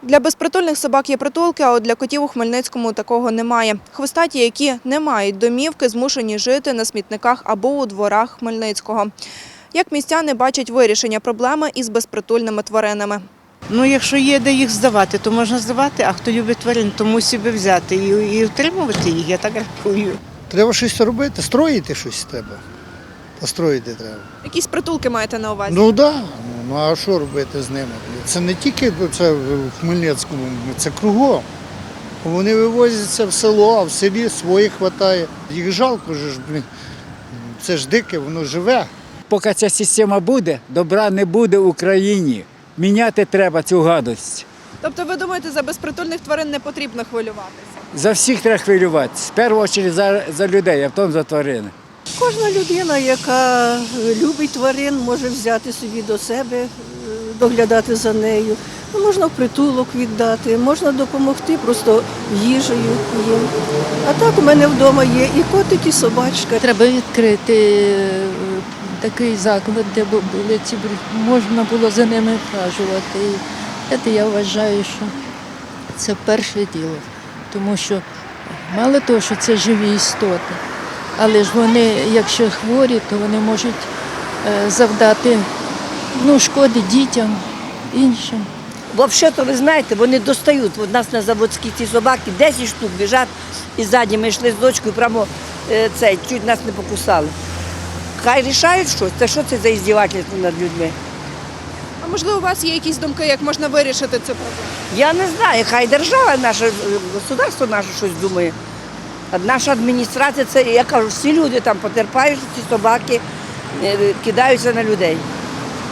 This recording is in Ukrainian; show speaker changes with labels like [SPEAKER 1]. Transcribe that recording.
[SPEAKER 1] Для безпритульних собак є притулки, а от для котів у Хмельницькому такого немає. Хвостаті, які не мають домівки, змушені жити на смітниках або у дворах Хмельницького. Як містяни бачать вирішення проблеми із безпритульними тваринами?
[SPEAKER 2] Ну, якщо є де їх здавати, то можна здавати, а хто любить тварин, то мусить би взяти і утримувати їх, я так рахую.
[SPEAKER 3] Треба щось робити, строїти щось треба. Построїти треба.
[SPEAKER 1] Якісь притулки маєте на увазі?
[SPEAKER 3] Ну так, ну а що робити з ними? Це не тільки це в Хмельницькому, це кругом. Вони вивозяться в село, а в селі своїх вистачає. Їх жалко ж, це ж дике, воно живе.
[SPEAKER 4] Поки ця система буде, добра не буде в Україні. Міняти треба цю гадость.
[SPEAKER 1] Тобто ви думаєте, за безпритульних тварин не потрібно хвилюватися?
[SPEAKER 4] За всіх треба хвилюватися. В першу чергу за людей, а потім за тварини.
[SPEAKER 5] Кожна людина, яка любить тварин, може взяти собі до себе, доглядати за нею. Ну, можна в притулок віддати, можна допомогти просто їжею їм. А так у мене вдома є і котик, і собачка.
[SPEAKER 6] Треба відкрити такий заклад, де були ці можна було за ними вхажувати. І це я вважаю, що це перше діло. Тому що мало того, що це живі істоти, але ж вони, якщо хворі, то вони можуть завдати шкоди дітям, іншим.
[SPEAKER 7] Взагалі-то, ви знаєте, вони достають. У нас на заводській ці собаки 10 штук біжать і ззаді ми йшли з дочкою, прямо чуть нас не покусали. Хай рішають щось, це що це за іздівательство над людьми?
[SPEAKER 1] А можливо, у вас є якісь думки, як можна вирішити цю проблему?
[SPEAKER 7] Я не знаю, хай держава, наше государство наше щось думає. А наша адміністрація, це, я кажу, всі люди там потерпають, ці собаки кидаються на людей.